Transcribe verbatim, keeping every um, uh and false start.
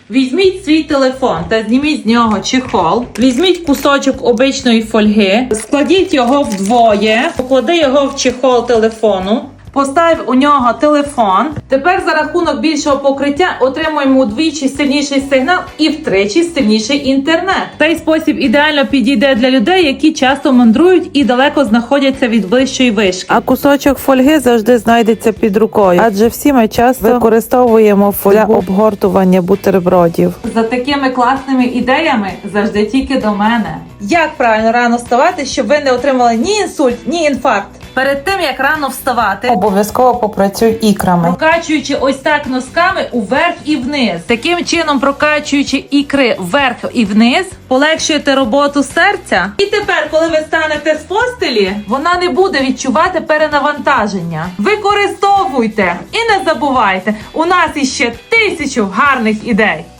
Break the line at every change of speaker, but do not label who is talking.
Візьміть свій телефон та зніміть з нього чехол. Візьміть кусочок обичної фольги, складіть його вдвоє, поклади його в чехол телефону. Постав у нього телефон. Тепер за рахунок більшого покриття отримуємо удвічі сильніший сигнал і втричі сильніший інтернет. Цей спосіб ідеально підійде для людей, які часто мандрують і далеко знаходяться від ближчої вишки.
А кусочок фольги завжди знайдеться під рукою, адже всі ми часто використовуємо фольгу для обгортування бутербродів.
За такими класними ідеями завжди тільки до мене. Як правильно рано вставати, щоб ви не отримали ні інсульт, ні інфаркт? Перед тим, як рано вставати,
Обов'язково попрацюй ікрами.
прокачуючи ось так носками уверх і вниз. Таким чином, прокачуючи ікри вверх і вниз, полегшуєте роботу серця. І тепер, коли ви станете з постелі, вона не буде відчувати перенавантаження. Використовуйте і не забувайте, у нас іще тисячу гарних ідей.